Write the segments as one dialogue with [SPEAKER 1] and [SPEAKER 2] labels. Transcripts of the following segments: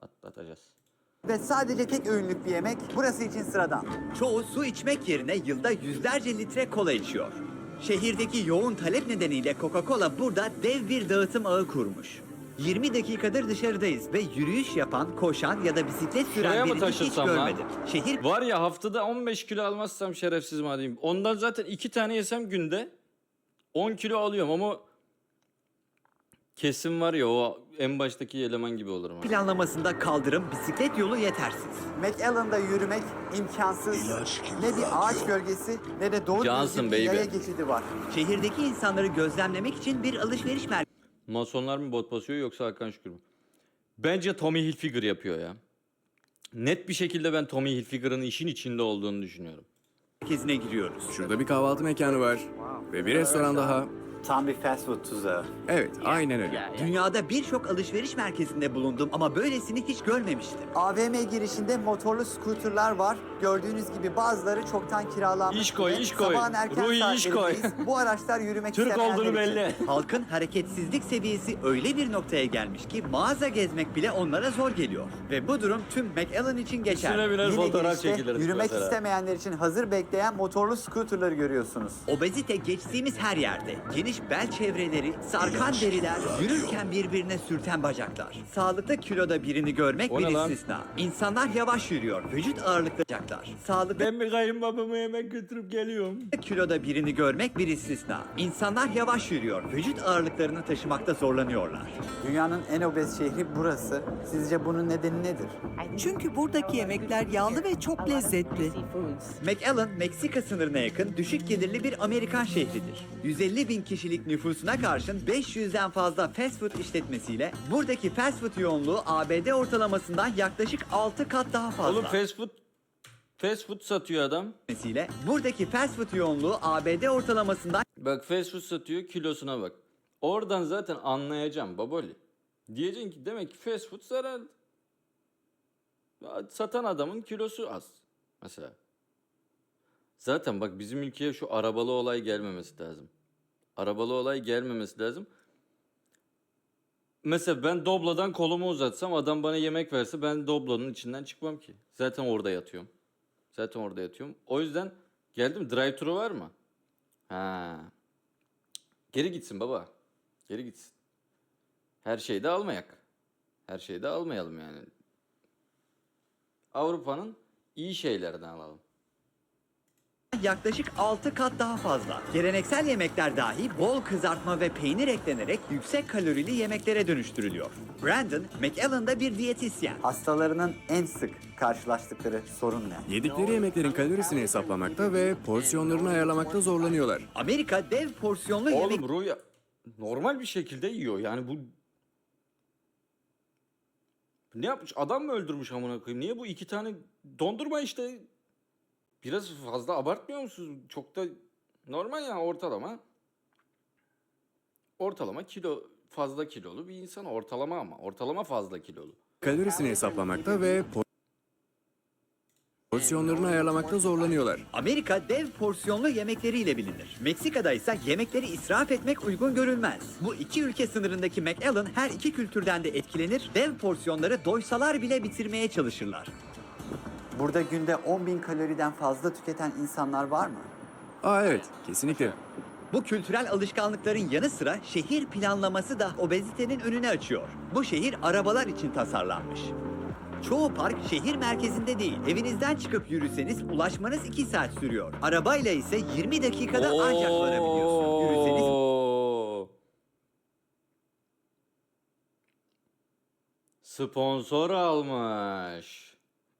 [SPEAKER 1] atlatacağız.
[SPEAKER 2] Ve sadece tek öğünlük bir yemek burası için sıradan.
[SPEAKER 3] Çoğu su içmek yerine yılda yüzlerce litre kola içiyor. Şehirdeki yoğun talep nedeniyle Coca-Cola burada dev bir dağıtım ağı kurmuş. 20 dakikadır dışarıdayız ve yürüyüş yapan, koşan ya da bisiklet
[SPEAKER 1] Şuraya
[SPEAKER 3] süren
[SPEAKER 1] mı
[SPEAKER 3] birini hiç
[SPEAKER 1] taşınsam lan?
[SPEAKER 3] görmedim. Şehir
[SPEAKER 1] Var ya, haftada 15 kilo almazsam şerefsiz madem. Ondan zaten 2 tane yesem günde 10 kilo alıyorum ama kesin var ya, o en baştaki eleman gibi olurum. abi.
[SPEAKER 3] planlamasında kaldırım, bisiklet yolu yetersiz.
[SPEAKER 2] McAllen'da yürümek imkansız. Ne bir ağaç gölgesi ne de doğru
[SPEAKER 1] Johnson
[SPEAKER 2] düzgün bir
[SPEAKER 1] baby.
[SPEAKER 2] yaya geçidi var.
[SPEAKER 3] Şehirdeki insanları gözlemlemek için bir alışveriş
[SPEAKER 1] Masonlar mı bot basıyor yoksa Hakan Şükür mü? Bence Tommy Hilfiger yapıyor ya. Net bir şekilde ben Tommy Hilfiger'ın işin içinde olduğunu düşünüyorum.
[SPEAKER 3] merkezine giriyoruz.
[SPEAKER 4] Şurada bir kahvaltı mekanı var. Ve bir restoran daha.
[SPEAKER 2] Tam bir fast food tuzağı.
[SPEAKER 4] Evet, aynen öyle.
[SPEAKER 3] Dünyada birçok alışveriş merkezinde bulundum ama böylesini hiç görmemiştim.
[SPEAKER 2] AVM girişinde motorlu scooterlar var. Gördüğünüz gibi bazıları çoktan kiralanmış.
[SPEAKER 1] İş koy,
[SPEAKER 2] ve
[SPEAKER 1] iş koy.
[SPEAKER 2] Sabahın erken
[SPEAKER 1] Ruhi, iş koy.
[SPEAKER 2] saatlerindeyiz. Bu araçlar yürümek
[SPEAKER 1] Türk
[SPEAKER 2] istemeyenler
[SPEAKER 1] olduğunu
[SPEAKER 2] için.
[SPEAKER 1] belli.
[SPEAKER 3] Halkın hareketsizlik seviyesi öyle bir noktaya gelmiş ki mağaza gezmek bile onlara zor geliyor. Ve bu durum tüm McAllen için
[SPEAKER 1] Üstüne
[SPEAKER 3] geçerli.
[SPEAKER 1] biner
[SPEAKER 2] Yine
[SPEAKER 1] fotoğraf
[SPEAKER 2] girişte
[SPEAKER 1] çekiliriz
[SPEAKER 2] yürümek
[SPEAKER 1] mesela.
[SPEAKER 2] istemeyenler için hazır bekleyen motorlu scooterları görüyorsunuz.
[SPEAKER 3] Obezite geçtiğimiz her yerde. Geniş bel çevreleri, sarkan deriler, yürürken birbirine sürten bacaklar. Sağlıklı kiloda birini görmek
[SPEAKER 1] O
[SPEAKER 3] bir
[SPEAKER 1] ne lan?
[SPEAKER 3] istisna. İnsanlar yavaş yürüyor, vücut ağırlıklı bacaklar. Sağlıklı
[SPEAKER 1] Ben bir kayınbabama yemek götürüp geliyorum.
[SPEAKER 3] kiloda birini görmek bir istisna. İnsanlar yavaş yürüyor, vücut ağırlıklarını taşımakta zorlanıyorlar.
[SPEAKER 2] Dünyanın en obez şehri burası. Sizce bunun nedeni nedir?
[SPEAKER 5] Çünkü buradaki yemekler yağlı ve çok lezzetli.
[SPEAKER 3] McAllen, Meksika sınırına yakın düşük gelirli bir Amerikan şehridir. 150 bin kişilik nüfusuna karşın 500'den fazla fast food işletmesiyle buradaki fast food yoğunluğu ABD ortalamasından yaklaşık 6 kat daha fazla.
[SPEAKER 1] Oğlum fast food satıyor adam.
[SPEAKER 3] Buradaki fast food yoğunluğu ABD ortalamasından
[SPEAKER 1] Bak, fast food satıyor, kilosuna bak. Oradan zaten anlayacağım baboli. Diyeceksin ki demek ki fast food zararlı. Ya, satan adamın kilosu az mesela. Zaten bak, bizim ülkeye şu arabalı olay gelmemesi lazım. Arabalı olay gelmemesi lazım. Mesela ben Doblo'dan kolumu uzatsam, adam bana yemek verse, ben Doblo'nun içinden çıkmam ki. Zaten orada yatıyorum. O yüzden geldim. Drive-thru var mı? Ha. Geri gitsin baba. Geri gitsin. Her şeyi de almayak. Her şeyi de almayalım yani. Avrupa'nın iyi şeylerini alalım.
[SPEAKER 3] yaklaşık 6 kat daha fazla. Geleneksel yemekler dahi bol kızartma ve peynir eklenerek yüksek kalorili yemeklere dönüştürülüyor. Brandon, McAllen'da bir diyetisyen.
[SPEAKER 2] Hastalarının en sık karşılaştıkları sorun ne?
[SPEAKER 4] Yedikleri yemeklerin kalorisini hesaplamakta ve porsiyonlarını ayarlamakta zorlanıyorlar.
[SPEAKER 3] Amerika dev porsiyonlu yemek
[SPEAKER 1] Oğlum Rüya normal bir şekilde yiyor. Yani bu ne yapmış? Adam mı öldürmüş amına koyayım? Niye bu 2 tane dondurma işte? Biraz fazla abartmıyor musunuz? Çok da normal yani, ortalama. Ortalama kilo, fazla kilolu bir insan ortalama, ama ortalama fazla kilolu.
[SPEAKER 4] Kalorisini hesaplamakta ve porsiyonlarını ayarlamakta zorlanıyorlar.
[SPEAKER 3] Amerika dev porsiyonlu yemekleriyle bilinir. Meksika'da ise yemekleri israf etmek uygun görülmez. Bu iki ülke sınırındaki McAllen her iki kültürden de etkilenir, dev porsiyonları doysalar bile bitirmeye çalışırlar.
[SPEAKER 2] Burada günde 10.000 kaloriden fazla tüketen insanlar var mı?
[SPEAKER 4] Aa evet, kesinlikle.
[SPEAKER 3] Bu kültürel alışkanlıkların yanı sıra şehir planlaması da obezitenin önünü açıyor. Bu şehir arabalar için tasarlanmış. Çoğu park şehir merkezinde değil. Evinizden çıkıp yürüseniz ulaşmanız 2 saat sürüyor. Arabayla ise 20 dakikada ancak varabiliyorsun. Yürüseniz
[SPEAKER 1] Oo. Sponsor almış.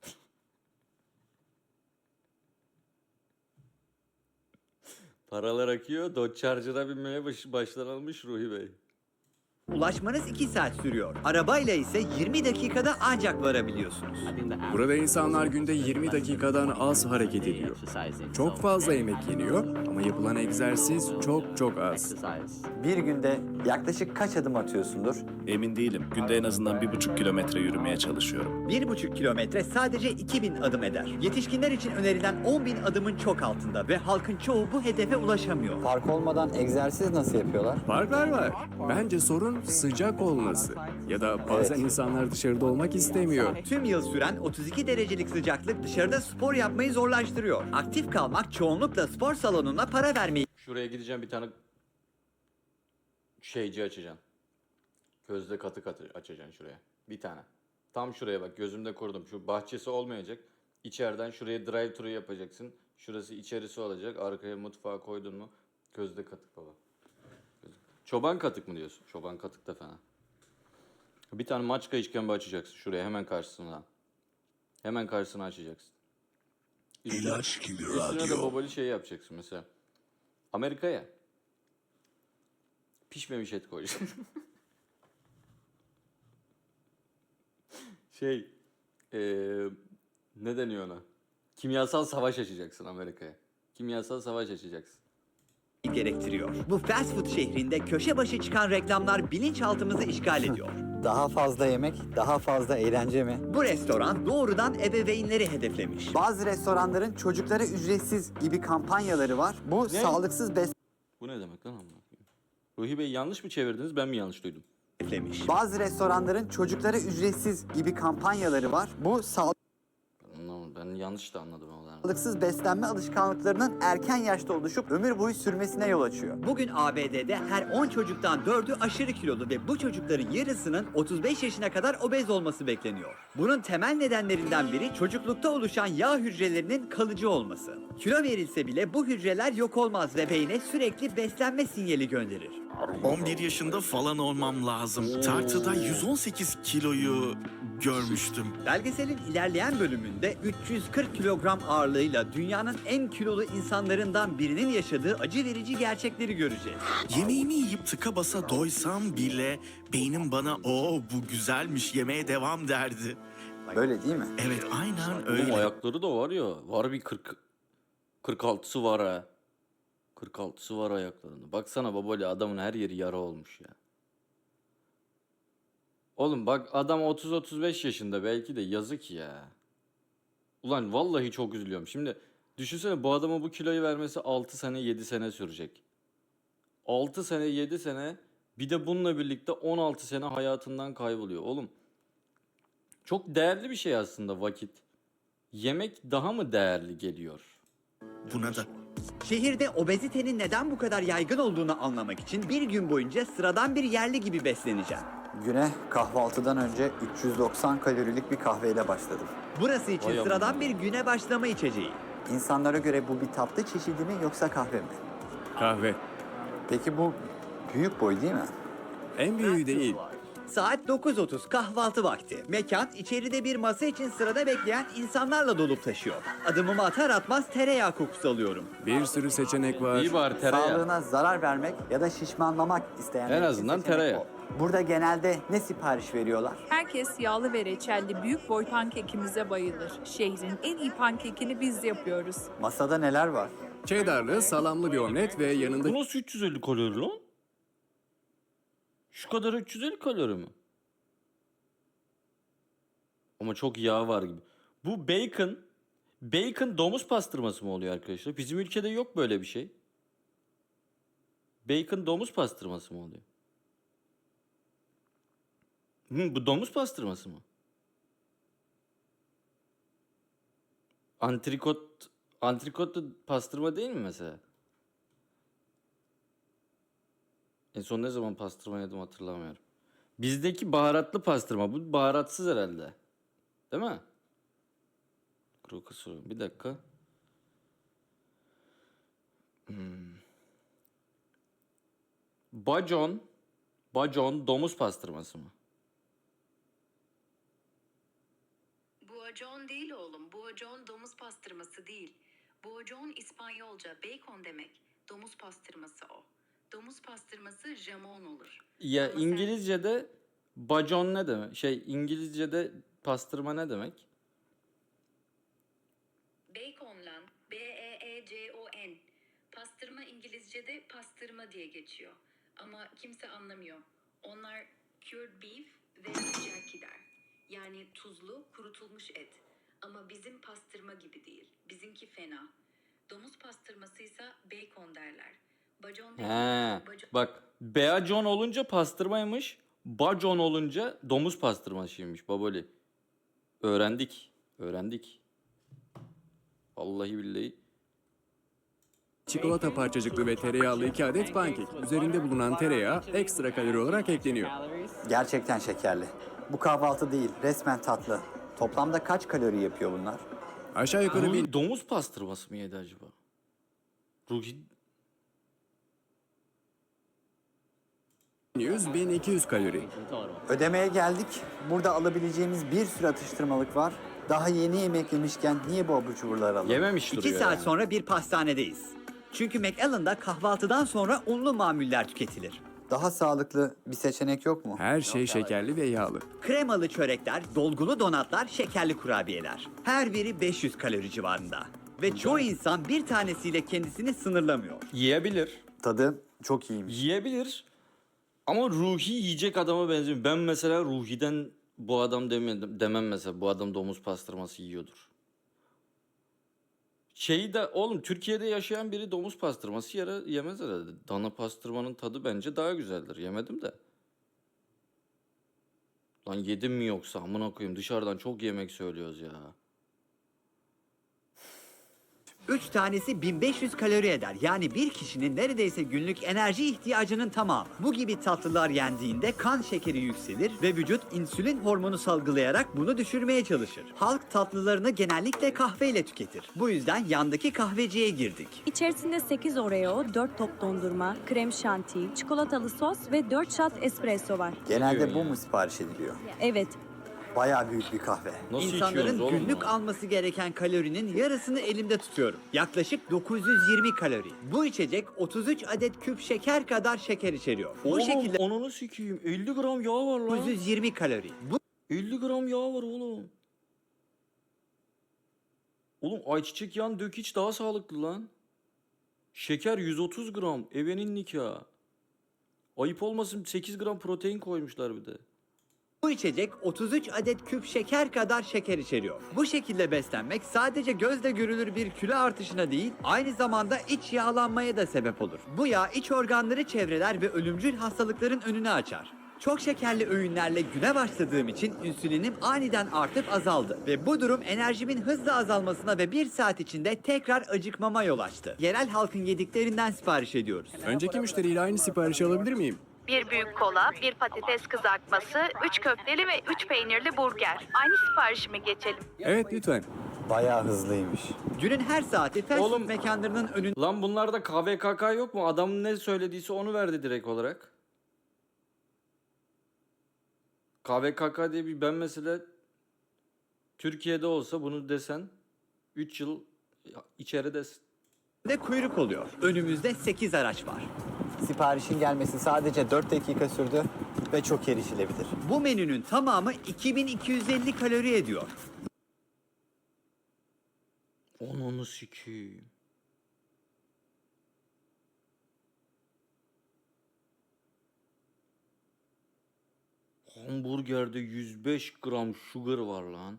[SPEAKER 1] Paralar akıyor. Dodge Charger'a binmeye başlanılmış Ruhi Bey.
[SPEAKER 3] ulaşmanız 2 saat sürüyor. Arabayla ise 20 dakikada ancak varabiliyorsunuz.
[SPEAKER 4] Burada insanlar günde 20 dakikadan az hareket ediyor. Çok fazla yemek yeniyor ama yapılan egzersiz çok az.
[SPEAKER 2] Bir günde yaklaşık kaç adım atıyorsundur?
[SPEAKER 6] Emin değilim. Günde en azından 1,5 kilometre yürümeye çalışıyorum.
[SPEAKER 3] 1,5 kilometre sadece 2000 adım eder. Yetişkinler için önerilen 10.000 adımın çok altında ve halkın çoğu bu hedefe ulaşamıyor.
[SPEAKER 2] Fark olmadan egzersiz nasıl yapıyorlar?
[SPEAKER 4] Farklar var. Bence sorun sıcak olması ya da bazen insanlar dışarıda olmak istemiyor.
[SPEAKER 3] Tüm yıl süren 32 derecelik sıcaklık dışarıda spor yapmayı zorlaştırıyor. Aktif kalmak çoğunlukla spor salonuna para vermeyi
[SPEAKER 1] Şuraya gideceğim, bir tane şeyci açacaksın. Közde katı katı açacaksın şuraya. Bir tane. Tam şuraya bak, gözümde kurdum. Şu bahçesi olmayacak. İçeriden şuraya drive thru yapacaksın. Şurası içerisi olacak. Arkaya mutfağı koydun mu? Közde katık baba. Çoban katık mı diyorsun? Çoban katık da fena. Bir tane maçka işkembe açacaksın şuraya, hemen karşısına. Hemen karşısına açacaksın. Üstüne de babali şey yapacaksın mesela. Amerika'ya pişmemiş et koyacaksın. Şey, ne deniyor ona? Kimyasal savaş açacaksın Amerika'ya. Kimyasal savaş açacaksın.
[SPEAKER 3] gerektiriyor. Bu fast food şehrinde köşe başı çıkan reklamlar bilinçaltımızı işgal ediyor.
[SPEAKER 2] Daha fazla yemek, daha fazla eğlence mi?
[SPEAKER 3] Bu restoran doğrudan ebeveynleri hedeflemiş.
[SPEAKER 2] Bazı restoranların çocuklara ücretsiz gibi kampanyaları var. Bu sağlıksız
[SPEAKER 1] Bu ne demek lan amına koyayım? Ruhi Bey, yanlış mı çevirdiniz, ben mi yanlış duydum?
[SPEAKER 2] Bazı restoranların çocuklara ücretsiz gibi kampanyaları var. Bu
[SPEAKER 1] Ben yanlış da anladım o zaman.
[SPEAKER 2] sağlıksız beslenme alışkanlıklarının erken yaşta oluşup ömür boyu sürmesine yol açıyor.
[SPEAKER 3] Bugün ABD'de her 10 çocuktan 4'ü aşırı kilolu ve bu çocukların yarısının 35 yaşına kadar obez olması bekleniyor. Bunun temel nedenlerinden biri çocuklukta oluşan yağ hücrelerinin kalıcı olması. Kilo verilse bile bu hücreler yok olmaz ve beyne sürekli beslenme sinyali gönderir.
[SPEAKER 6] 11 yaşında falan olmam lazım. Tartıda 118 kiloyu görmüştüm.
[SPEAKER 3] Belgeselin ilerleyen bölümünde 340 kilogram ağırlığıyla dünyanın en kilolu insanlarından birinin yaşadığı acı verici gerçekleri göreceğiz.
[SPEAKER 6] Yemeğimi yiyip tıka basa doysam bile beynim bana bu güzelmiş, yemeye devam derdi.
[SPEAKER 2] Böyle değil mi?
[SPEAKER 6] Evet, aynen
[SPEAKER 1] Oğlum
[SPEAKER 6] öyle.
[SPEAKER 1] ayakları da var ya. Var bir 46'sı var ha. 46'sı var ayaklarında. Baksana babali, adamın her yeri yara olmuş ya. Oğlum bak, adam 30-35 yaşında belki de, yazık ya. Ulan vallahi çok üzülüyorum. Şimdi düşünsene, bu adama bu kiloyu vermesi 6 sene 7 sene sürecek. 6 sene 7 sene, bir de bununla birlikte 16 sene hayatından kayboluyor. Oğlum çok değerli bir şey aslında vakit. Yemek daha mı değerli geliyor?
[SPEAKER 6] Buna da
[SPEAKER 3] Şehirde obezitenin neden bu kadar yaygın olduğunu anlamak için bir gün boyunca sıradan bir yerli gibi besleneceğim.
[SPEAKER 2] Güne kahvaltıdan önce 390 kalorilik bir kahveyle başladım.
[SPEAKER 3] Burası için
[SPEAKER 1] Vay amına.
[SPEAKER 3] sıradan bir güne başlama içeceği.
[SPEAKER 2] İnsanlara göre bu bir tatlı çeşidi mi yoksa kahve mi?
[SPEAKER 4] Kahve.
[SPEAKER 2] Peki bu büyük boy değil mi?
[SPEAKER 4] En büyüğü değil.
[SPEAKER 3] Saat 9:30 kahvaltı vakti. Mekan içeride bir masa için sırada bekleyen insanlarla dolup taşıyor. Adımımı atar atmaz tereyağı kokusu alıyorum.
[SPEAKER 4] Bir sürü seçenek var.
[SPEAKER 1] İyi bari tereyağı.
[SPEAKER 2] Sağlığına zarar vermek ya da şişmanlamak isteyenler
[SPEAKER 1] En
[SPEAKER 2] için
[SPEAKER 1] azından
[SPEAKER 2] seçenek
[SPEAKER 1] tereyağı.
[SPEAKER 2] bol. Burada genelde ne sipariş veriyorlar?
[SPEAKER 7] Herkes yağlı ve reçelli büyük boy pankekimize bayılır. Şehrin en iyi pankekini biz yapıyoruz.
[SPEAKER 2] Masada neler var?
[SPEAKER 4] Cheddarlı, salamlı bir omlet ve yanında
[SPEAKER 1] Bu nasıl 350 kalori lan? Şu kadar 350 kalori mi? Ama çok yağ var gibi. Bu bacon domuz pastırması mı oluyor arkadaşlar? Bizim ülkede yok böyle bir şey. Bacon domuz pastırması mı oluyor? Bu domuz pastırması mı? Antrikot da pastırma değil mi mesela? En son ne zaman pastırma yedim hatırlamıyorum. Bizdeki baharatlı pastırma. Bu baharatsız herhalde. Değil mi? Kuru kusuru. Bir dakika. Bacon domuz pastırması mı?
[SPEAKER 8] Buajon değil oğlum. Buajon domuz pastırması değil. Buajon İspanyolca bacon demek. Domuz pastırması o. Domuz pastırması jamon olur.
[SPEAKER 1] Ya
[SPEAKER 8] Ama sen-
[SPEAKER 1] İngilizce'de bacon ne demek? İngilizce'de pastırma ne demek?
[SPEAKER 8] Bacon lan. B-E-E-C-O-N. Pastırma İngilizce'de pastırma diye geçiyor. Ama kimse anlamıyor. Onlar cured beef ve jerky der. Yani tuzlu, kurutulmuş et. Ama bizim pastırma gibi değil. Bizimki fena. Domuz pastırmasıysa bacon derler. Bacon
[SPEAKER 1] He.
[SPEAKER 8] dediğimiz
[SPEAKER 1] Bak beacon olunca pastırmaymış. Bacon olunca domuz pastırmasıymış baboli. Öğrendik. Öğrendik. Vallahi billahi.
[SPEAKER 4] Çikolata parçacıklı ve tereyağlı 2 adet pankek. Üzerinde bulunan tereyağı ekstra kalori olarak ekleniyor.
[SPEAKER 2] Gerçekten şekerli. Bu kahvaltı değil, resmen tatlı. Toplamda kaç kalori yapıyor bunlar?
[SPEAKER 4] Aşağı yukarı
[SPEAKER 1] Ruhi domuz pastırması mı yedi acaba? Ruhi
[SPEAKER 4] 1100-1200 kalori.
[SPEAKER 2] Ödemeye geldik. Burada alabileceğimiz bir sürü atıştırmalık var. Daha yeni yemek yemişken niye bu abur cuburları alalım?
[SPEAKER 1] yememiş
[SPEAKER 3] 2
[SPEAKER 1] duruyor
[SPEAKER 3] saat
[SPEAKER 1] yani.
[SPEAKER 3] sonra bir pastanedeyiz. Çünkü McAllen'da kahvaltıdan sonra unlu mamuller tüketilir.
[SPEAKER 2] Daha sağlıklı bir seçenek yok mu?
[SPEAKER 4] Her şey şekerli ve yağlı.
[SPEAKER 3] Kremalı çörekler, dolgulu donatlar, şekerli kurabiyeler. Her biri 500 kalori civarında. Ve çoğu insan bir tanesiyle kendisini sınırlamıyor.
[SPEAKER 1] Yiyebilir.
[SPEAKER 2] Tadı çok iyiymiş.
[SPEAKER 1] Yiyebilir. Ama Ruhi yiyecek adama benzemiyor. Ben mesela Ruhi'den bu adam demem mesela. Bu adam domuz pastırması yiyordur. Şeyi de oğlum Türkiye'de yaşayan biri domuz pastırması yemez herhalde. Dana pastırmanın tadı bence daha güzeldir. Yemedim de. Lan yedim mi yoksa amına koyayım dışarıdan çok yemek söylüyoruz ya.
[SPEAKER 3] 3 tanesi 1500 kalori eder. Yani bir kişinin neredeyse günlük enerji ihtiyacının tamamı. Bu gibi tatlılar yendiğinde kan şekeri yükselir ve vücut insülin hormonu salgılayarak bunu düşürmeye çalışır. Halk tatlılarını genellikle kahveyle tüketir. Bu yüzden yandaki kahveciye girdik.
[SPEAKER 9] İçerisinde 8 Oreo, 4 top dondurma, krem şanti, çikolatalı sos ve 4 shot espresso var.
[SPEAKER 2] Genelde bu mu sipariş ediliyor?
[SPEAKER 9] Evet,
[SPEAKER 2] Bayağı büyük bir kahve.
[SPEAKER 1] Nasıl
[SPEAKER 3] İnsanların
[SPEAKER 1] içiyoruz oğlum
[SPEAKER 3] günlük
[SPEAKER 1] bunu?
[SPEAKER 3] alması gereken kalorinin yarısını elimde tutuyorum. Yaklaşık 920 kalori. Bu içecek 33 adet küp şeker kadar şeker içeriyor. Bu
[SPEAKER 1] Oğlum
[SPEAKER 3] şekilde
[SPEAKER 1] onunu sikeyim 50 gram yağ var lan.
[SPEAKER 3] 920 kalori. Bu
[SPEAKER 1] 50 gram yağ var oğlum. Oğlum ayçiçek yağını dök iç daha sağlıklı lan. Şeker 130 gram. Evenin nikahı. Ayıp olmasın 8 gram protein koymuşlar bir de.
[SPEAKER 3] Bu içecek 33 adet küp şeker kadar şeker içeriyor. Bu şekilde beslenmek sadece gözle görülür bir kilo artışına değil, aynı zamanda iç yağlanmaya da sebep olur. Bu yağ iç organları çevreler ve ölümcül hastalıkların önünü açar. Çok şekerli öğünlerle güne başladığım için insülinim aniden artıp azaldı. Ve bu durum enerjimin hızla azalmasına ve 1 saat içinde tekrar acıkmama yol açtı. Yerel halkın yediklerinden sipariş ediyoruz.
[SPEAKER 4] Önceki müşteriyle aynı siparişi alabilir miyim?
[SPEAKER 10] Bir büyük kola, bir patates kızartması, 3 köfteli ve 3 peynirli burger. Aynı siparişime geçelim.
[SPEAKER 4] Evet lütfen.
[SPEAKER 2] Bayağı hızlıymış.
[SPEAKER 3] Günün her saati fast food
[SPEAKER 1] Oğlum-
[SPEAKER 3] mekanlarının önünde
[SPEAKER 1] Lan bunlarda KVKK yok mu? Adam ne söylediyse onu verdi direkt olarak. KVKK diye bir ben mesela Türkiye'de olsa bunu desen 3 yıl içeridesin.
[SPEAKER 3] kuyruk oluyor. Önümüzde 8 araç var.
[SPEAKER 2] Siparişin gelmesi sadece 4 dakika sürdü ve çok erişilebilir.
[SPEAKER 3] Bu menünün tamamı 2250 kalori ediyor.
[SPEAKER 1] Onu sikeyim. Hamburgerde 105 gram sugar var lan.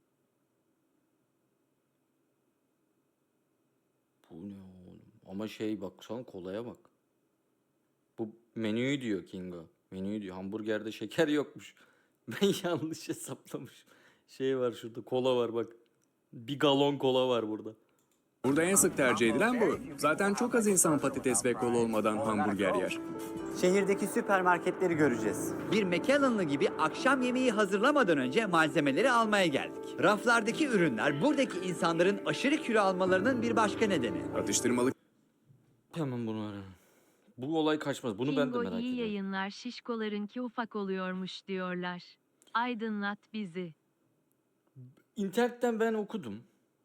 [SPEAKER 1] Bu ne oğlum? Ama şey baksan kolaya bak. Bu menüyü diyor Kingo. Menüyü diyor. Hamburgerde şeker yokmuş. Ben yanlış hesaplamışım. Şey var şurada kola var bak. Bir galon kola var burada.
[SPEAKER 4] Burada en sık tercih edilen bu. Zaten çok az insan patates ve kola olmadan hamburger yer.
[SPEAKER 2] Şehirdeki süpermarketleri göreceğiz.
[SPEAKER 3] Bir McAllen'lı gibi akşam yemeği hazırlamadan önce malzemeleri almaya geldik. Raflardaki ürünler buradaki insanların aşırı kilo almalarının bir başka nedeni.
[SPEAKER 4] Atıştırmalık
[SPEAKER 1] Hemen bunu ararım. Bu olay kaçmaz. Bunu ben de
[SPEAKER 10] Kingo
[SPEAKER 1] merak
[SPEAKER 10] iyi
[SPEAKER 1] ediyorum.
[SPEAKER 10] yayınlar, şişkolarınki ufak oluyormuş diyorlar. Aydınlat bizi.
[SPEAKER 1] İnternetten ben okudum.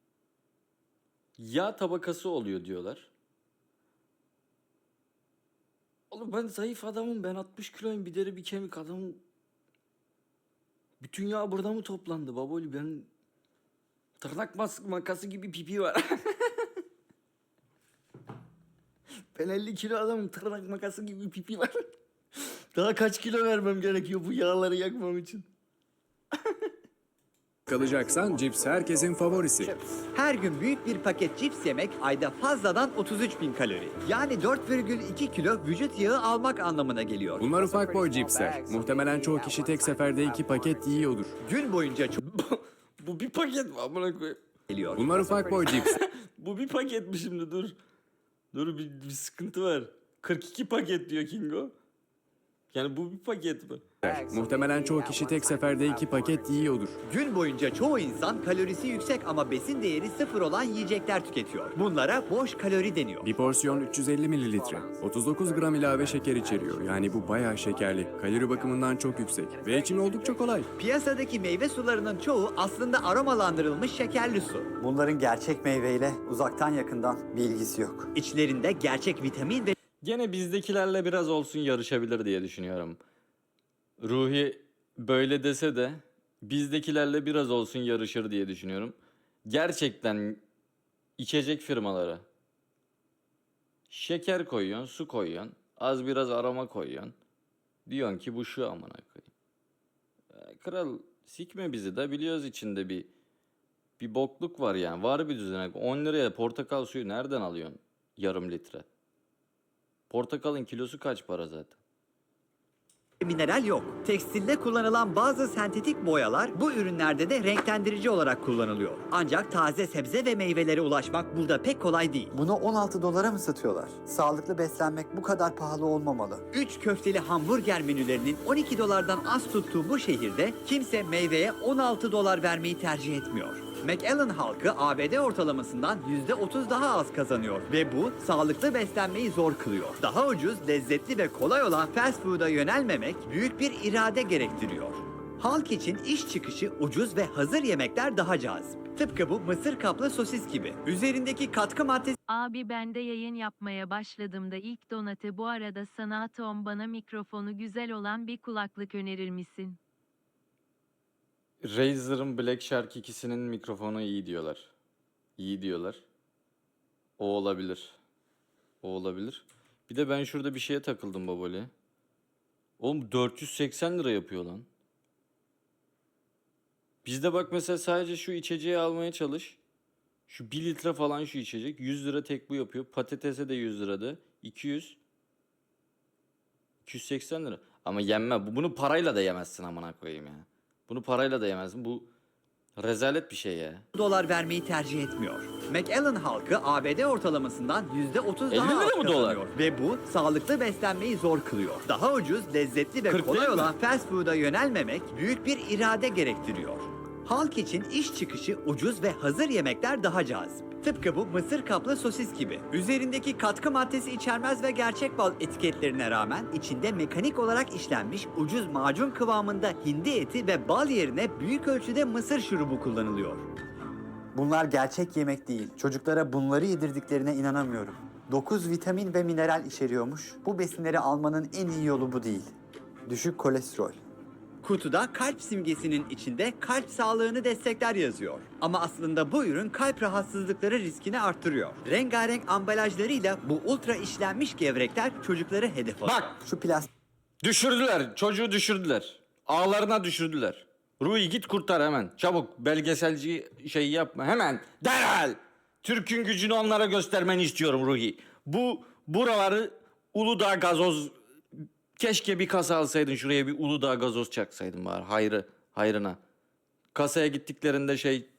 [SPEAKER 1] Yağ tabakası oluyor diyorlar. Oğlum ben zayıf adamım. Ben 60 kiloyum. Bir deri bir kemik adamım. Bütün yağ burada mı toplandı baboli? Ben tırnak makası gibi pipi var. Ben 50 kilo adamım. Tırnak makası gibi pipi var. Daha kaç kilo vermem gerekiyor bu yağları yakmam için?
[SPEAKER 4] kalacaksan cips herkesin favorisi.
[SPEAKER 3] Her gün büyük bir paket cips yemek ayda fazladan 33.000 kalori. Yani 4,2 kilo vücut yağı almak anlamına geliyor.
[SPEAKER 4] Bunlar ufak boy cipsler. Muhtemelen çoğu kişi tek seferde 2 paket yiyordur.
[SPEAKER 3] Gün boyunca çok
[SPEAKER 1] Bu bir paket mi amına koyayım?
[SPEAKER 3] geliyor.
[SPEAKER 4] Bunlar ufak boy cips.
[SPEAKER 1] Bu bir paket mi şimdi dur. Dur bir sıkıntı var. 42 paket diyor Kingo. Yani bu bir paket mi?
[SPEAKER 4] Muhtemelen çoğu kişi tek seferde 2 paket yiyordur.
[SPEAKER 3] Gün boyunca çoğu insan kalorisi yüksek ama besin değeri sıfır olan yiyecekler tüketiyor. Bunlara boş kalori deniyor.
[SPEAKER 4] Bir porsiyon 350 mililitre. 39 gram ilave şeker içeriyor. Yani bu bayağı şekerli. Kalori bakımından çok yüksek. Ve için oldukça kolay.
[SPEAKER 3] Piyasadaki meyve sularının çoğu aslında aromalandırılmış şekerli su.
[SPEAKER 2] Bunların gerçek meyveyle uzaktan yakından bir ilgisi yok.
[SPEAKER 3] İçlerinde gerçek vitamin ve
[SPEAKER 1] Gene bizdekilerle biraz olsun yarışabilir diye düşünüyorum. Ruhi böyle dese de bizdekilerle biraz olsun yarışır diye düşünüyorum. Gerçekten içecek firmaları şeker koyuyorsun, su koyuyorsun, az biraz aroma koyuyorsun. Diyorsun ki bu şu amına koyayım. Kral sikme bizi de biliyoruz içinde bir bokluk var yani. Var bir düzenek. 10 liraya portakal suyu nereden alıyorsun? Yarım litre. Portakalın kilosu kaç para zaten?
[SPEAKER 3] mineral yok. Tekstilde kullanılan bazı sentetik boyalar bu ürünlerde de renklendirici olarak kullanılıyor. Ancak taze sebze ve meyvelere ulaşmak burada pek kolay değil.
[SPEAKER 2] Bunu 16 dolara mı satıyorlar? Sağlıklı beslenmek bu kadar pahalı olmamalı.
[SPEAKER 3] 3 köfteli hamburger menülerinin 12 dolardan az tuttuğu bu şehirde kimse meyveye 16 dolar vermeyi tercih etmiyor. McAllen halkı ABD ortalamasından %30 daha az kazanıyor ve bu sağlıklı beslenmeyi zor kılıyor. Daha ucuz, lezzetli ve kolay olan fast food'a yönelmemek büyük bir irade gerektiriyor. Halk için iş çıkışı ucuz ve hazır yemekler daha cazip. Tıpkı bu mısır kaplı sosis gibi. Üzerindeki katkı maddesi
[SPEAKER 11] Abi ben de yayın yapmaya başladığımda ilk Donate bu arada sana Atom bana mikrofonu güzel olan bir kulaklık önerir misin?
[SPEAKER 1] Razer'ın Black Shark ikisinin mikrofonu iyi diyorlar. İyi diyorlar. O olabilir. O olabilir. Bir de ben şurada bir şeye takıldım babali. Oğlum 480 lira yapıyor lan. Bizde bak mesela sadece şu içeceği almaya çalış. Şu 1 litre falan şu içecek. 100 lira tek bu yapıyor. Patatese de 100 lirada. 280 lira. Ama yenme. Bunu parayla da yemezsin amına koyayım ya. Bunu parayla da yemezsin. Bu rezalet bir şey ya.
[SPEAKER 3] dolar vermeyi tercih etmiyor. McAllen halkı ABD ortalamasından %30
[SPEAKER 1] 50
[SPEAKER 3] daha az
[SPEAKER 1] lira mı dolar?
[SPEAKER 3] kazanıyor ve bu sağlıklı beslenmeyi zor kılıyor. Daha ucuz, lezzetli ve
[SPEAKER 1] 40
[SPEAKER 3] kolay
[SPEAKER 1] değil mi?
[SPEAKER 3] olan fast food'a yönelmemek büyük bir irade gerektiriyor. Halk için iş çıkışı ucuz ve hazır yemekler daha cazip. Tıpkı bu mısır kaplı sosis gibi. Üzerindeki katkı maddesi içermez ve gerçek bal etiketlerine rağmen içinde mekanik olarak işlenmiş ucuz macun kıvamında hindi eti ve bal yerine büyük ölçüde mısır şurubu kullanılıyor.
[SPEAKER 2] Bunlar gerçek yemek değil. Çocuklara bunları yedirdiklerine inanamıyorum. 9 vitamin ve mineral içeriyormuş. Bu besinleri almanın en iyi yolu bu değil. Düşük kolesterol.
[SPEAKER 3] Kutuda kalp simgesinin içinde kalp sağlığını destekler yazıyor. Ama aslında bu ürün kalp rahatsızlıkları riskini arttırıyor. Rengarenk ambalajlarıyla bu ultra işlenmiş gevrekler çocukları hedef alıyor.
[SPEAKER 1] Bak
[SPEAKER 2] Şu plastik
[SPEAKER 1] düşürdüler. Çocuğu düşürdüler. Ağlarına düşürdüler. Ruhi git kurtar hemen. Çabuk belgeselci şey yapma. Hemen derhal. Türk'ün gücünü onlara göstermeni istiyorum Ruhi. Buraları Uludağ gazoz. Keşke bir kasa alsaydın şuraya bir Uludağ gazoz çaksaydın bari hayrına. Kasaya gittiklerinde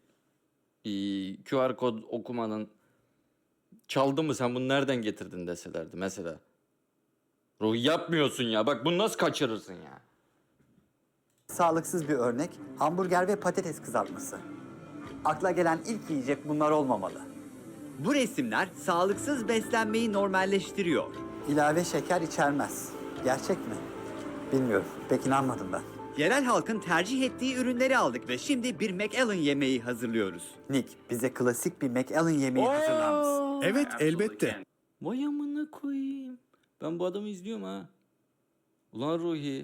[SPEAKER 1] QR kod okumanın çaldı mı sen bunu nereden getirdin deselerdi mesela. Ruhi yapmıyorsun ya bak bunu nasıl kaçırırsın ya.
[SPEAKER 2] sağlıksız bir örnek hamburger ve patates kızartması. Akla gelen ilk yiyecek bunlar olmamalı.
[SPEAKER 3] Bu resimler sağlıksız beslenmeyi normalleştiriyor.
[SPEAKER 2] İlave şeker içermez. Gerçek mi? Bilmiyorum. Pek inanmadım ben.
[SPEAKER 3] Yerel halkın tercih ettiği ürünleri aldık ve şimdi bir McAllen yemeği hazırlıyoruz.
[SPEAKER 2] Nick, bize klasik bir McAllen yemeği hazırlar mısın?
[SPEAKER 6] Evet, elbette.
[SPEAKER 1] Vay amına koyayım. Ben bu adamı izliyorum ha. Ulan Ruhi.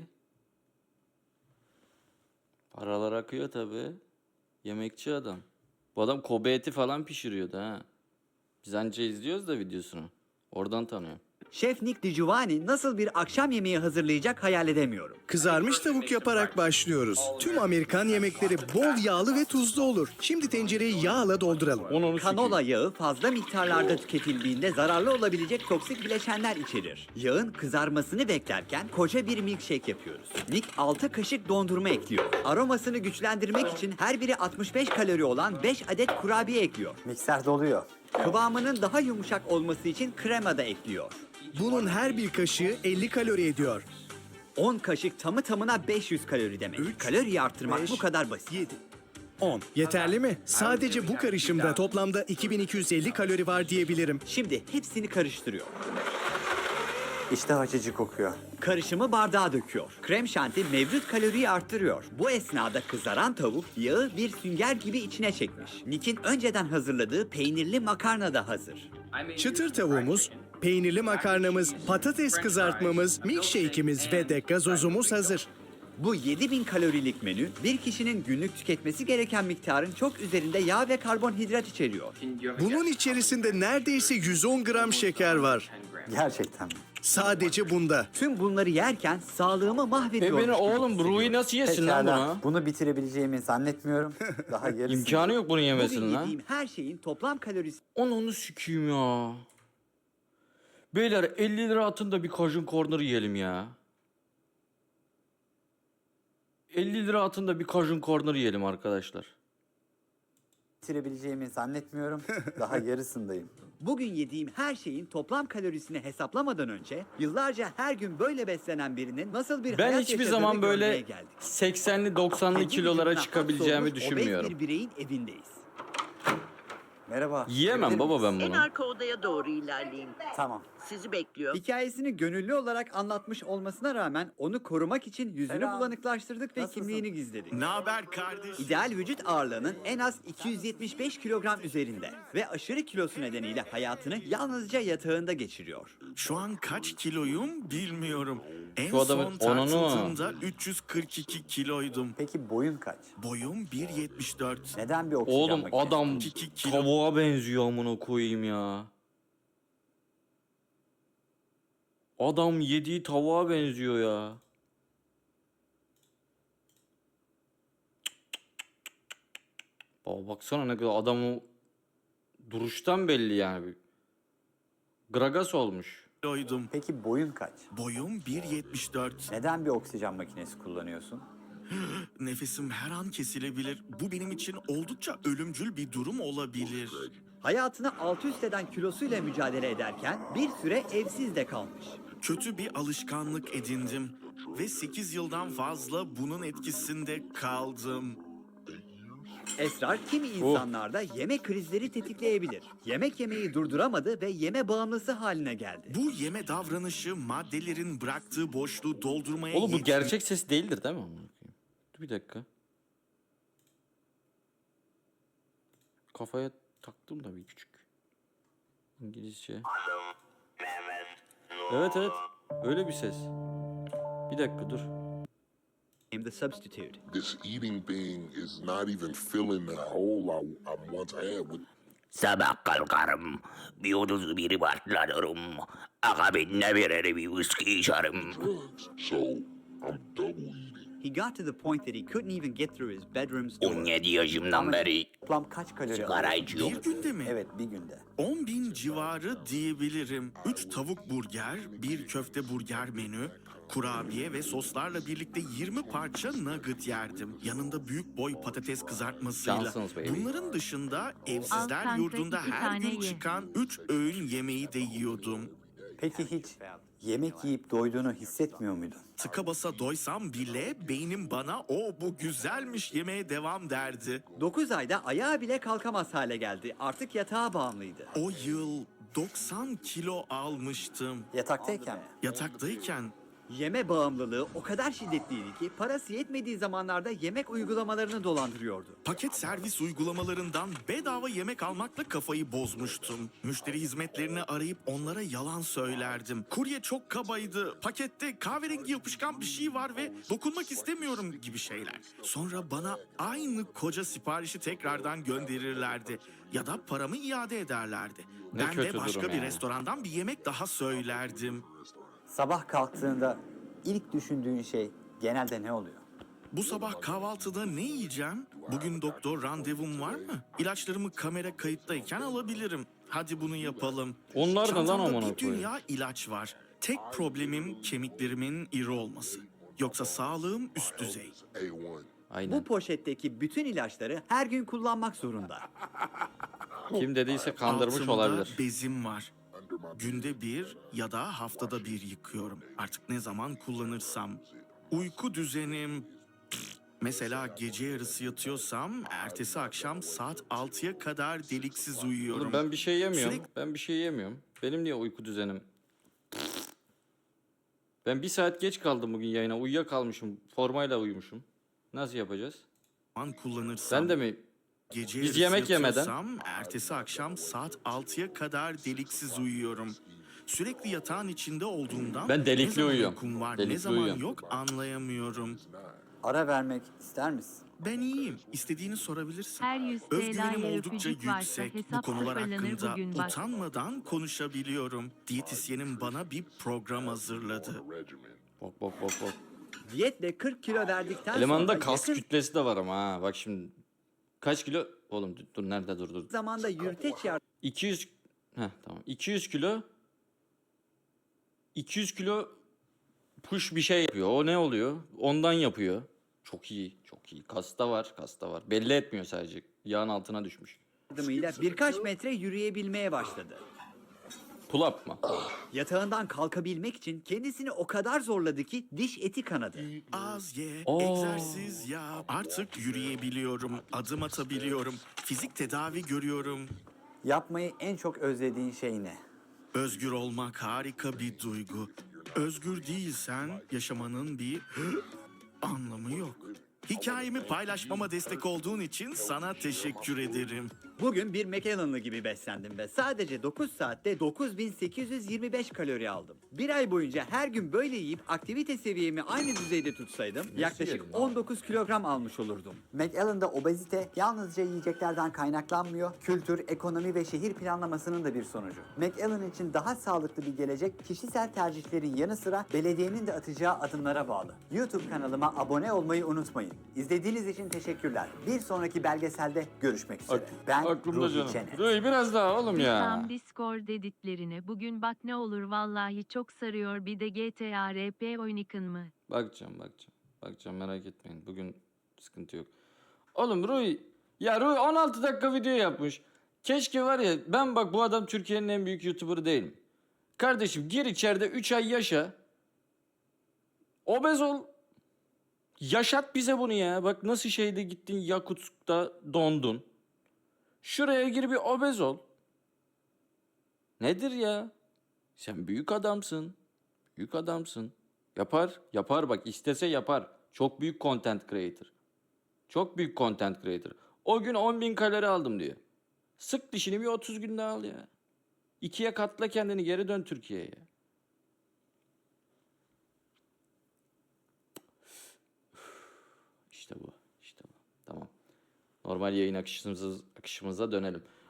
[SPEAKER 1] Paralar akıyor tabi. Yemekçi adam. Bu adam Kobe eti falan pişiriyordu ha. Biz anca izliyoruz da videosunu. Oradan tanıyorum.
[SPEAKER 3] Şef Nick DiGiovanni nasıl bir akşam yemeği hazırlayacak hayal edemiyorum.
[SPEAKER 12] Kızarmış tavuk yaparak başlıyoruz. Tüm Amerikan yemekleri bol yağlı ve tuzlu olur. Şimdi tencereyi yağla dolduralım.
[SPEAKER 1] Onu
[SPEAKER 3] Kanola yağı fazla miktarlarda tüketildiğinde zararlı olabilecek toksik bileşenler içerir. Yağın kızarmasını beklerken koca bir milkshake yapıyoruz. Nick 6 kaşık dondurma ekliyor. Aromasını güçlendirmek için her biri 65 kalori olan 5 adet kurabiye ekliyor.
[SPEAKER 2] Mikser doluyor.
[SPEAKER 3] Kıvamının daha yumuşak olması için krema da ekliyor.
[SPEAKER 12] Bunun her bir kaşığı 50 kalori ediyor.
[SPEAKER 3] 10 kaşık tamı tamına 500 kalori demek. Kaloriyi arttırmak
[SPEAKER 12] 5,
[SPEAKER 3] bu kadar basit.
[SPEAKER 12] 7, 10. Yeterli mi? Sadece bu karışımda toplamda 2250 kalori var diyebilirim.
[SPEAKER 3] Şimdi hepsini karıştırıyor.
[SPEAKER 2] İştah açıcı kokuyor.
[SPEAKER 3] Karışımı bardağa döküyor. Krem şanti mevcut kaloriyi arttırıyor. Bu esnada kızaran tavuk yağı bir sünger gibi içine çekmiş. Nick'in önceden hazırladığı peynirli makarna da hazır.
[SPEAKER 12] Çıtır tavuğumuz, peynirli makarnamız, patates kızartmamız, milkshake'imiz ve de gazozumuz hazır.
[SPEAKER 3] Bu 7000 kalorilik menü bir kişinin günlük tüketmesi gereken miktarın çok üzerinde yağ ve karbonhidrat içeriyor.
[SPEAKER 12] Bunun içerisinde neredeyse 110 gram şeker var.
[SPEAKER 2] Gerçekten mi?
[SPEAKER 12] Sadece bunda.
[SPEAKER 3] Tüm bunları yerken sağlığımı mahvediyor.
[SPEAKER 1] Beni oğlum Rui nasıl yesin lan
[SPEAKER 2] Pekala.
[SPEAKER 1] bunu?
[SPEAKER 2] Bunu bitirebileceğimi zannetmiyorum. Daha yarısı.
[SPEAKER 1] İmkanı yok bunu
[SPEAKER 3] Bugün
[SPEAKER 1] yemesinin lan.
[SPEAKER 3] yediğim her şeyin toplam kalorisi
[SPEAKER 1] Onu sikeyim ya. Beyler 50 lira atın da bir Cajun Corner yiyelim ya. 50 lira atın da bir Cajun Corner yiyelim arkadaşlar.
[SPEAKER 2] Bitirebileceğimi zannetmiyorum. Daha yarısındayım.
[SPEAKER 3] Bugün yediğim her şeyin toplam kalorisini hesaplamadan önce yıllarca her gün böyle beslenen birinin nasıl bir
[SPEAKER 1] Ben
[SPEAKER 3] hayat
[SPEAKER 1] hiçbir
[SPEAKER 3] yaşadığını
[SPEAKER 1] zaman
[SPEAKER 3] görmeye
[SPEAKER 1] böyle
[SPEAKER 3] geldik.
[SPEAKER 1] 80'li 90'lı
[SPEAKER 3] Kendi
[SPEAKER 1] kilolara
[SPEAKER 3] vücuduna
[SPEAKER 1] çıkabileceğimi
[SPEAKER 3] hapsolmuş
[SPEAKER 1] düşünmüyorum.
[SPEAKER 3] obez bir bireyin evindeyiz.
[SPEAKER 2] Merhaba.
[SPEAKER 1] Yiyemem
[SPEAKER 2] Girebilir
[SPEAKER 1] baba
[SPEAKER 2] miyiz?
[SPEAKER 1] ben bunu.
[SPEAKER 13] Arka odaya doğru ilerleyin.
[SPEAKER 2] Tamam.
[SPEAKER 13] Sizi bekliyor.
[SPEAKER 3] Hikayesini gönüllü olarak anlatmış olmasına rağmen onu korumak için yüzünü
[SPEAKER 2] Selam.
[SPEAKER 3] bulanıklaştırdık ve
[SPEAKER 2] Nasılsın?
[SPEAKER 3] kimliğini gizledik.
[SPEAKER 6] Ne haber kardeş?
[SPEAKER 3] İdeal vücut ağırlığının en az 275 kilogram üzerinde ve aşırı kilosu nedeniyle hayatını yalnızca yatağında geçiriyor.
[SPEAKER 6] Şu an kaç kiloyum bilmiyorum. En
[SPEAKER 1] Şu adamın
[SPEAKER 6] son
[SPEAKER 1] onunu.
[SPEAKER 6] tartıldığımda 342 kiloydum.
[SPEAKER 2] Peki boyun kaç?
[SPEAKER 6] Boyum 1.74.
[SPEAKER 2] Neden bir oksijen
[SPEAKER 1] Oğlum
[SPEAKER 2] makinesi?
[SPEAKER 1] adam
[SPEAKER 6] 2 kilo.
[SPEAKER 1] tavuğa benziyor amına koyayım ya. Adam yediği tavuğa benziyor ya. Baba baksana ne kadar adamı duruştan belli yani. Gragas olmuş.
[SPEAKER 6] Kiloydum.
[SPEAKER 2] Peki boyun kaç?
[SPEAKER 6] Boyum 1.74.
[SPEAKER 2] Neden bir oksijen makinesi kullanıyorsun?
[SPEAKER 6] Nefesim her an kesilebilir. Bu benim için oldukça ölümcül bir durum olabilir.
[SPEAKER 3] Hayatını alt üst eden kilosuyla mücadele ederken bir süre evsiz de kalmış.
[SPEAKER 6] Kötü bir alışkanlık edindim ve 8 yıldan fazla bunun etkisinde kaldım.
[SPEAKER 3] Esrar kimi insanlarda yeme krizleri tetikleyebilir. Yemek yemeyi durduramadı ve yeme bağımlısı haline geldi.
[SPEAKER 6] Bu yeme davranışı maddelerin bıraktığı boşluğu doldurmaya
[SPEAKER 1] Oğlum bu
[SPEAKER 6] yetmiyor.
[SPEAKER 1] gerçek ses değildir değil mi? Amına koyayım? Dur bir dakika. Kafaya taktım da bir küçük. İngilizce. Evet evet. Öyle bir ses. Bir dakika dur.
[SPEAKER 3] The substitute.
[SPEAKER 14] This eating thing is not even filling the hole I once had with.
[SPEAKER 15] Sabah kalkarım, bir 31'i başlarım. Akabinde birer bir viski içerim.
[SPEAKER 14] So I'm double eating.
[SPEAKER 3] He got to the point that he couldn't even get through his bedroom's door.
[SPEAKER 15] 17 yaşımdan beri
[SPEAKER 2] Toplam kaç kalori
[SPEAKER 15] sigara
[SPEAKER 2] alıyorsun?
[SPEAKER 15] içiyorum.
[SPEAKER 6] Bir günde mi?
[SPEAKER 2] Evet, bir günde.
[SPEAKER 6] 10.000 civarı diyebilirim. 3 tavuk burger, bir köfte burger menü, kurabiye ve soslarla birlikte 20 parça nugget yerdim. Yanında büyük boy patates kızartmasıyla.
[SPEAKER 1] Johnson's baby.
[SPEAKER 6] Bunların dışında
[SPEAKER 11] Al
[SPEAKER 6] evsizler
[SPEAKER 11] sen de
[SPEAKER 6] yurdunda
[SPEAKER 11] 2
[SPEAKER 6] her
[SPEAKER 11] tane
[SPEAKER 6] gün
[SPEAKER 11] ye.
[SPEAKER 6] çıkan 3 öğün yemeği de yiyordum.
[SPEAKER 2] Peki hiç yemek yiyip doyduğunu hissetmiyor muydun?
[SPEAKER 6] Tıka basa doysam bile beynim bana o bu güzelmiş yemeye devam derdi.
[SPEAKER 3] 9 ayda ayağa bile kalkamaz hale geldi. Artık yatağa bağımlıydı.
[SPEAKER 6] O yıl 90 kilo almıştım.
[SPEAKER 2] Yataktayken mi?
[SPEAKER 6] Yataktayken
[SPEAKER 3] Yeme bağımlılığı o kadar şiddetliydi ki parası yetmediği zamanlarda yemek uygulamalarını dolandırıyordu.
[SPEAKER 6] Paket servis uygulamalarından bedava yemek almakla kafayı bozmuştum. Müşteri hizmetlerini arayıp onlara yalan söylerdim. Kurye çok kabaydı, pakette kahverengi yapışkan bir şey var ve dokunmak istemiyorum gibi şeyler. Sonra bana aynı koca siparişi tekrardan gönderirlerdi ya da paramı iade ederlerdi.
[SPEAKER 1] Ne
[SPEAKER 6] Ben de
[SPEAKER 1] kötü
[SPEAKER 6] başka
[SPEAKER 1] durum
[SPEAKER 6] bir
[SPEAKER 1] ya.
[SPEAKER 6] restorandan bir yemek daha söylerdim.
[SPEAKER 2] Sabah kalktığında ilk düşündüğün şey genelde ne oluyor?
[SPEAKER 6] Bu sabah kahvaltıda ne yiyeceğim? Bugün doktor randevum var mı? İlaçlarımı kamera kayıttayken alabilirim. Hadi bunu yapalım.
[SPEAKER 1] Onlar ne lan
[SPEAKER 6] Çantamda
[SPEAKER 1] amına
[SPEAKER 6] bir
[SPEAKER 1] koyayım?
[SPEAKER 6] dünya ilaç var. Tek problemim kemiklerimin iri olması. Yoksa sağlığım üst düzey.
[SPEAKER 1] Aynen.
[SPEAKER 3] Bu poşetteki bütün ilaçları her gün kullanmak zorunda.
[SPEAKER 1] Kim dediyse kandırmış
[SPEAKER 6] Altımda
[SPEAKER 1] olabilir.
[SPEAKER 6] bezim var. Günde bir ya da haftada bir yıkıyorum. Artık ne zaman kullanırsam. Uyku düzenim... Mesela gece yarısı yatıyorsam ertesi akşam saat 6'ya kadar deliksiz uyuyorum.
[SPEAKER 1] Oğlum ben bir şey yemiyorum.
[SPEAKER 6] Sürekli-
[SPEAKER 1] Ben bir şey yemiyorum. Benim niye uyku düzenim? Ben bir saat geç kaldım bugün yayına. Uyuyakalmışım. Formayla uyumuşum. Nasıl yapacağız?
[SPEAKER 6] kullanırsam...
[SPEAKER 1] Sen de mi?
[SPEAKER 6] Gece
[SPEAKER 1] Biz
[SPEAKER 6] yarısı
[SPEAKER 1] yemek yemeden.
[SPEAKER 6] yatıyorsam ertesi akşam saat 6'ya kadar deliksiz uyuyorum. Sürekli yatağın içinde olduğumdan
[SPEAKER 1] Ben delikli
[SPEAKER 6] ne zaman
[SPEAKER 1] uyuyorum.
[SPEAKER 6] uykum var, ne
[SPEAKER 1] Delikli
[SPEAKER 6] zaman
[SPEAKER 1] uyuyorum.
[SPEAKER 6] yok anlayamıyorum.
[SPEAKER 2] Ara vermek ister misin?
[SPEAKER 6] Ben iyiyim. İstediğini sorabilirsin.
[SPEAKER 11] Her 100
[SPEAKER 6] Özgüvenim
[SPEAKER 11] TL'ye
[SPEAKER 6] oldukça
[SPEAKER 11] öpücük varsa
[SPEAKER 6] yüksek. Bu
[SPEAKER 11] hesap
[SPEAKER 6] konular
[SPEAKER 11] sıfırlanır
[SPEAKER 6] hakkında
[SPEAKER 11] bugün bak.
[SPEAKER 6] utanmadan konuşabiliyorum. Diyetisyenim bana bir program hazırladı.
[SPEAKER 1] Bok bok bok bok.
[SPEAKER 3] Diyetle 40 kilo verdikten
[SPEAKER 1] Elemanında
[SPEAKER 3] sonra
[SPEAKER 1] kas
[SPEAKER 3] yakın
[SPEAKER 1] kütlesi de var ama ha. Bak şimdi. Kaç kilo? Oğlum dur nerede dur.
[SPEAKER 3] zamanda yürüteç
[SPEAKER 1] 200 tamam. 200 kilo 200 kilo push bir şey yapıyor. O ne oluyor? Ondan yapıyor. Çok iyi, çok iyi. Kasta var. Belli etmiyor sadece. Yağın altına düşmüş.
[SPEAKER 3] yardımıyla birkaç metre yürüyebilmeye başladı.
[SPEAKER 1] Pull up mı?
[SPEAKER 3] Yatağından kalkabilmek için kendisini o kadar zorladı ki diş eti kanadı.
[SPEAKER 6] Az ye,
[SPEAKER 1] Oo.
[SPEAKER 6] egzersiz yap. Artık yürüyebiliyorum, adım atabiliyorum, fizik tedavi görüyorum.
[SPEAKER 2] Yapmayı en çok özlediğin şey ne?
[SPEAKER 6] Özgür olmak harika bir duygu. Özgür değilsen yaşamanın bir anlamı yok. Hikayemi paylaşmama destek olduğun için sana teşekkür ederim.
[SPEAKER 3] Bugün bir McAllen'lı gibi beslendim ve sadece 9 saatte 9825 kalori aldım. Bir ay boyunca her gün böyle yiyip aktivite seviyemi aynı düzeyde tutsaydım yaklaşık 19 kilogram almış olurdum.
[SPEAKER 2] McAllen'da obezite yalnızca yiyeceklerden kaynaklanmıyor, kültür, ekonomi ve şehir planlamasının da bir sonucu. McAllen için daha sağlıklı bir gelecek kişisel tercihlerin yanı sıra belediyenin de atacağı adımlara bağlı. YouTube kanalıma abone olmayı unutmayın. İzlediğiniz için teşekkürler. Bir sonraki belgeselde görüşmek üzere. Ben
[SPEAKER 1] Aklımda
[SPEAKER 2] Ruhi
[SPEAKER 1] canım.
[SPEAKER 2] Çenet.
[SPEAKER 1] Ruhi biraz daha oğlum ya.
[SPEAKER 11] Tam Discord editlerine. Bugün bak ne olur vallahi çok sarıyor. Bir de GTA RP oynayın mı?
[SPEAKER 1] Bakacağım merak etmeyin. Bugün sıkıntı yok. Oğlum Ruhi 16 dakika video yapmış. Keşke var ya ben bak bu adam Türkiye'nin en büyük YouTuber'ı değilim. Kardeşim gir içeride 3 ay yaşa. Obez ol. Yaşat bize bunu ya. Bak nasıl şeyde gittin Yakutsk'ta dondun. Şuraya gir bir obez ol. Nedir ya? Sen büyük adamsın. Büyük adamsın. Yapar bak istese yapar. Çok büyük content creator. Çok büyük content creator. O gün 10.000 kalori aldım diyor. Sık dişini bir 30 günde al ya. 2'ye katla kendini geri dön Türkiye'ye. İşte bu. Tamam. Normal yayın akışımıza dönelim.